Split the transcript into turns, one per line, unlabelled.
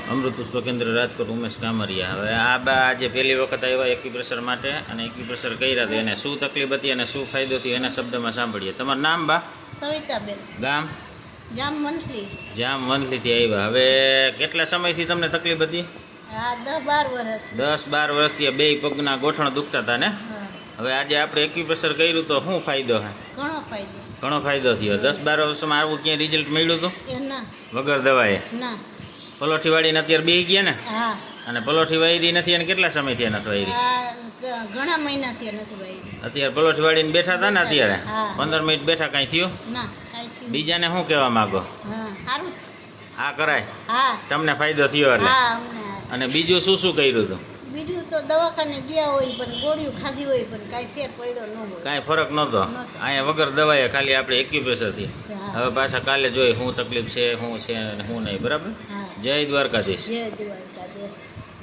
અમૃત પુષ્પ કેન્દ્ર રાજકોટ ઉમેશ કામરિયા. હવે આ બા આજે પહેલી વખત આવ્યા એક્યુપ્રેશર માટે અને એક્યુપ્રેશર કર્યા હતા. એને શું તકલીફ હતી અને શું ફાયદો થયો એના શબ્દમાં સાંભળીએ. તમારું નામ બા?
સવિતાબેન.
ગામ?
જામ મંથલી.
જામ વંથલીથી આવ્યા. હવે કેટલા સમયથી તમને તકલીફ હતી?
હા, 10-12 વર્ષ.
10-12 વર્ષથી બે પગના ગોઠણ દુખતા હતા ને?
હા,
હવે આજે આપણે એક્યુપ્રેશર કર્યું તો શું ફાયદો છે?
ઘણો ફાયદો.
ઘણો ફાયદો થયો. 10-12 વર્ષમાં આવું ક્યાંય રિઝલ્ટ મળ્યું હતું
એ ના
વગર દવાએ?
ના.
પલોઠી વાળીને અત્યારે બે ગયા ને?
હા.
અને પલોઠી વાળી નથી અને કેટલા સમયથી નથી વાળી?
ઘણા મહિનાથી નથી ભાઈ.
અત્યારે પલોઠી વાળીને બેઠા હતા ને અત્યારે
હા.
15 મિનિટ બેઠા કાંઈ થયું?
ના, કાંઈ થયું.
બીજાને શું કહેવા માંગો?
હા, સારું.
આ કરાય
હા.
તમને ફાયદો થયો એટલે?
હા, અમને.
અને બીજું શું શું કર્યું હતું?
બીજું તો દવાખાને ગયા હોય પણ ગોળીઓ ખાધી હોય પણ કાંઈ ફેર પડ્યો ન હોય.
કાંઈ ફરક નહોતો.
નહોતો.
અહીંયા વગર દવાએ ખાલી આપણે એક્યુપ્રેશરથી.
હા.
હવે પાછા કાલે જોઈ શું તકલીફ છે, શું છે અને શું નહીં. બરાબર?
હા.
જય દ્વારકાધીશ.
જય દ્વારકાધીશ.